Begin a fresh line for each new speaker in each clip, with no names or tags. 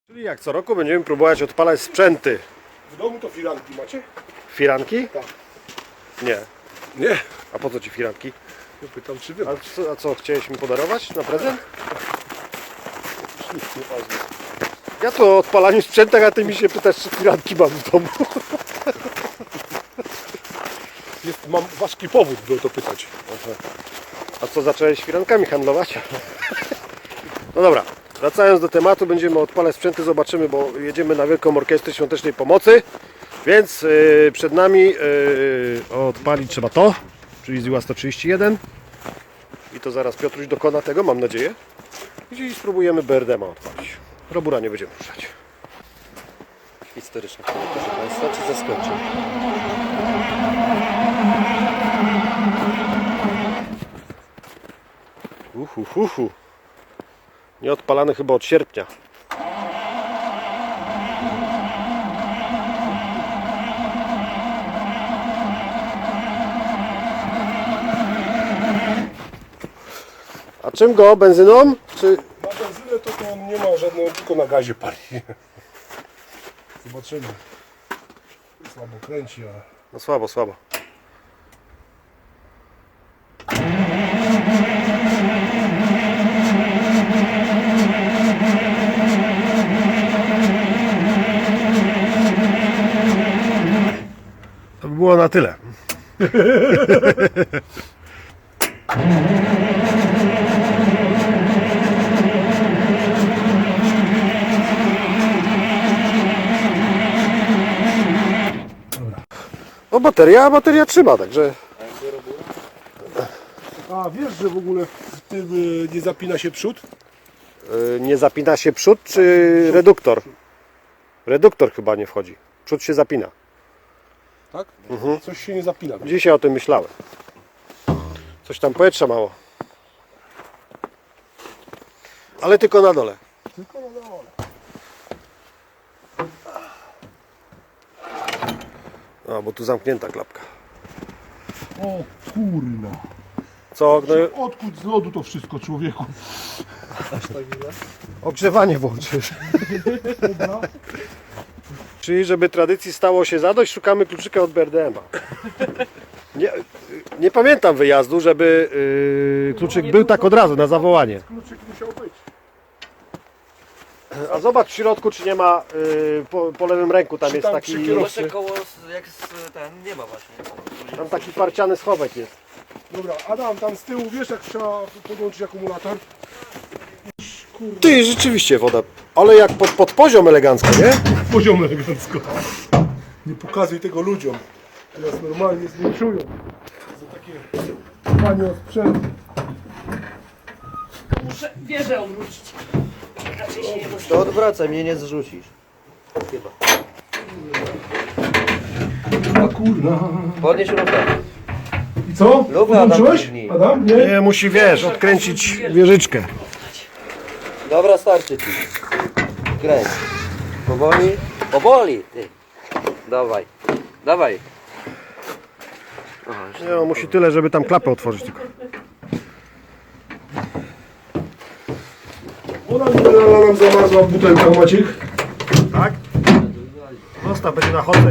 Czyli jak co roku będziemy próbować odpalać sprzęty.
W domu to firanki macie?
Firanki?
Tak.
Nie.
Nie.
A po co ci firanki?
Ja pytam, czy wy.
A co chciałeś mi podarować na prezent?
Już nic nie ważne.
Ja tu o odpalaniu sprzętach, a ty mi się pytasz, czy firanki mam w domu.
Mam ważki powód, by o to pytać.
A co, zacząłeś firankami handlować? No dobra, wracając do tematu, będziemy odpalać sprzęty, zobaczymy, bo jedziemy na Wielką Orkiestrę Świątecznej Pomocy, więc przed nami odpalić trzeba to, czyli Ziła 131 i to zaraz Piotruś dokona tego, mam nadzieję, i spróbujemy BRDM-a odpalić. Robura nie będziemy ruszać.
Historyczny, proszę Państwa, czy zaskoczył?
Nie odpalany chyba od sierpnia. A czym go? Benzyną? Czy...
Na benzynę to on nie ma żadnego, tylko na gazie pali. Zobaczymy. Słabo kręci, ale...
No słabo, słabo. To by było na tyle. No bateria trzyma, także...
A wiesz, że w ogóle w tym nie zapina się przód?
Nie zapina się przód czy reduktor? Reduktor chyba nie wchodzi. Przód się zapina.
Tak? Coś się nie zapina.
Dzisiaj o tym myślałem. Coś tam powietrza mało. Ale tylko na dole.
Tylko na dole.
A, bo tu zamknięta klapka.
O kurna.
Co? No,
Odkud z lodu to wszystko, człowieku?
ogrzewanie włączysz. Czyli żeby tradycji stało się zadość, szukamy kluczyka od BRDM-a. Nie pamiętam wyjazdu, żeby kluczyk był tak od razu, na zawołanie.
Kluczyk musiał być.
A zobacz w środku, czy nie ma po lewym ręku, tam
Czy
jest
tam
taki...
przy kierowcy?
Jeszcze koło, jak ten, nie ma właśnie.
Tam taki parciany schowek jest.
Dobra, Adam, tam z tyłu wiesz, jak trzeba podłączyć akumulator?
Ty, rzeczywiście woda, ale jak pod poziom elegancko, nie?
Poziom elegancko. Nie pokazuj tego ludziom. Teraz normalnie zwiększują. Za takie panie o sprzęt.
Muszę wieżę odwrócić. Raczej się nie
To odwracaj, mnie nie zrzucisz. Chyba.
A kurna.
Podnieś lufę.
I co?
Lufę, Adam,
Podłączyłeś?
ciągnij.
Adam? Nie?
Nie, musi, wiesz, odkręcić wieżyczkę.
Dobra, starczy ci. Kręć. Powoli. Powoli, ty. Dawaj. Dawaj. O,
Nie, on musi tyle, żeby tam klapę otworzyć tylko.
Woda mineralna nam zamarzła w butelkach, Maciek.
Tak? Zostaw, będzie na chodzę.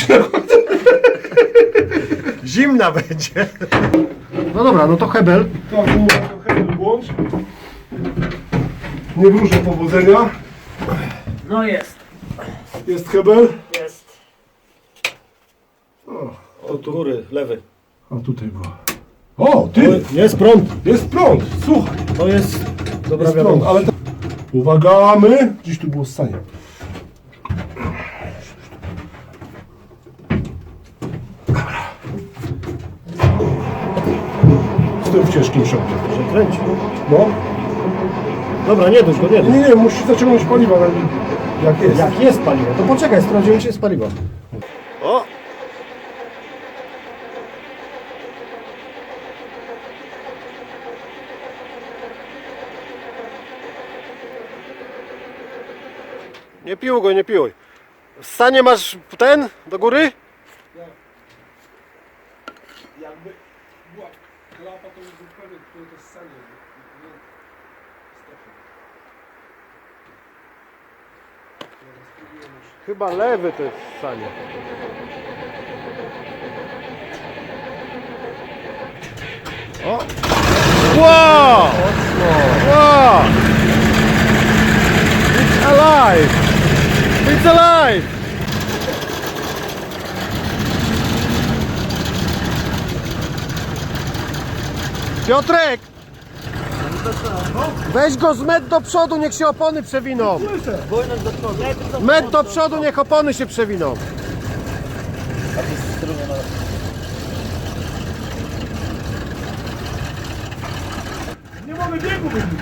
Zimna będzie. No dobra, no to hebel.
Tak, trochę włącz. Nie wróżę powodzenia.
No jest,
Jest hebel.
jest.
Od góry, lewy.
A tutaj była. O, ty!
Jest prąd.
Jest prąd, słuchaj.
To jest dobra
Jest prąd,
wiadomość.
ale to... Uwaga, my! Gdzieś tu było ssanie. Z tym w ciężkim szoku.
Że kręci.
No.
Dobra, nie dusz go, nie dusz.
Nie, musi zaciągnąć paliwa, jak jest.
Jak jest paliwo, to poczekaj, sprawdzimy, czy jest paliwo. O! Nie piłuj go, nie piłuj. W stanie masz ten do góry?
Jakby była klapa, to już był pewien, które to ssanie.
Chyba lewy to jest Sania. O! Wow! Wow! It's alive! It's alive! Piotrek! Weź go z met do przodu, niech się opony przewiną. Met do przodu, niech opony się przewiną.
Nie mamy biegu wybić.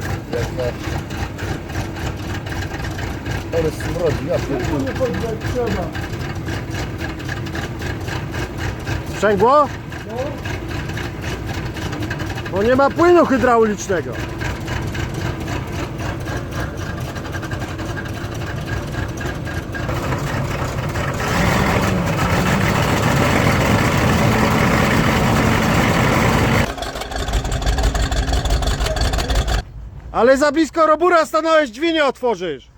Ale smrodzi, ja
Biegu nie chodzi jak trzeba.
Sprzęgło? Bo nie ma płynu hydraulicznego. Ale za blisko robura stanąłeś, drzwi nie otworzysz.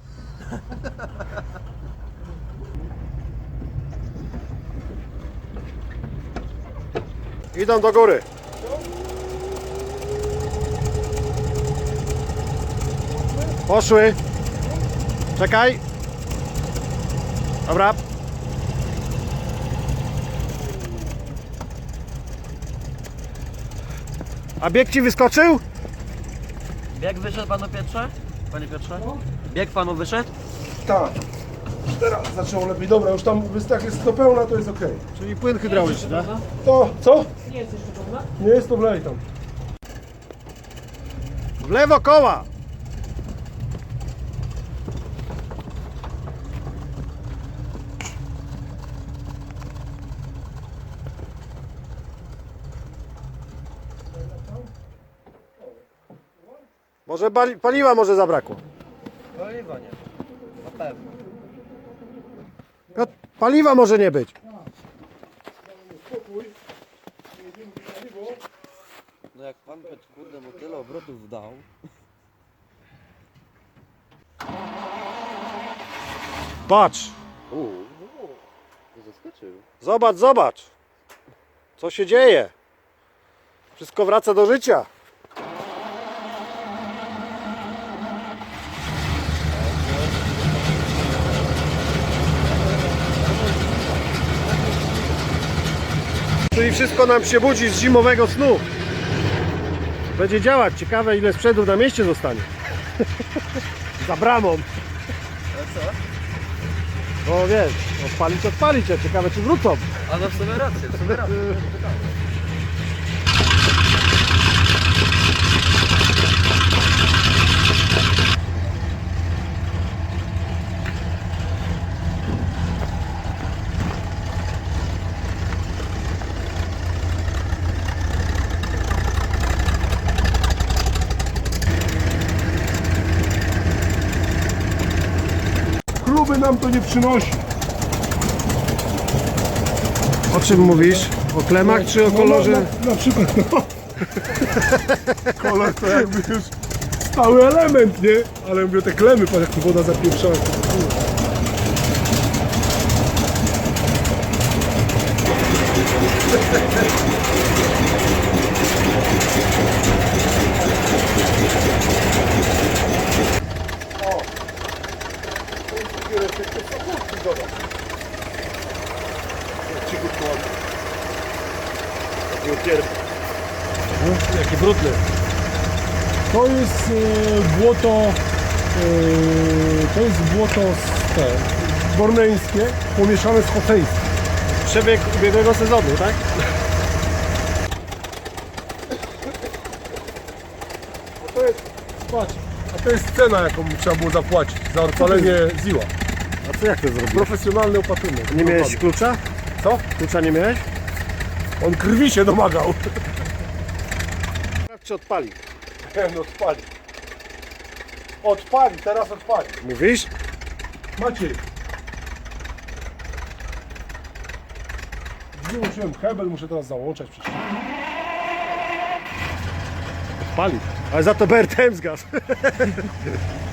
Idą do góry. Poszły. Czekaj. Dobra. A bieg ci wyskoczył?
Bieg wyszedł panu Piotrze? Panie Piotrze? Bieg panu wyszedł?
Tak. Teraz zaczęło lepiej. Dobra, już tam jak jest to pełna, to jest ok.
Czyli płyn hydrauliczny, tak?
To co?
Nie jest jeszcze pełna?
Nie jest to wlej tam.
W lewo koła. Może paliwa może zabrakło.
Paliwa nie. Na pewno.
Paliwa może nie być.
Spokój. Jedziemy do paliwo.
No jak pan Piotr, kurde, mu tyle obrotów dał.
Patrz.
Zaskoczył.
Zobacz, zobacz. Co się dzieje? Wszystko wraca do życia. Czyli wszystko nam się budzi z zimowego snu. Będzie działać. Ciekawe, ile sprzętów na mieście zostanie. Za bramą.
A co?
No wiesz, odpalić, a ciekawe czy wrócą.
A no w sumie rację, w sumie rację.
Kluby nam to nie przynosi.
O czym mówisz? O klemach czy o kolorze?
Na przykład, no. Kolor to jakby już stały element, nie? Ale mówię, te klemy, patrz jak tu woda zapieprzała.
Jaki brudny.
To jest błoto z te, borneńskie pomieszane z hoteńskim.
Przebieg ubiegłego sezonu, tak?
Patrz, a to jest cena, jaką trzeba było zapłacić za odpalenie ziła.
A co jak to zrobić?
Profesjonalny opatrunek.
Nie miałeś klucza?
Co?
Klucza nie miałeś?
On krwi się domagał.
Sprawdź czy odpali.
No odpali. Odpali, teraz odpali.
Mówisz?
Maciej. Wyłączyłem hebel, muszę teraz załączać przecież.
Odpali. Ale za to BRTM zgasł.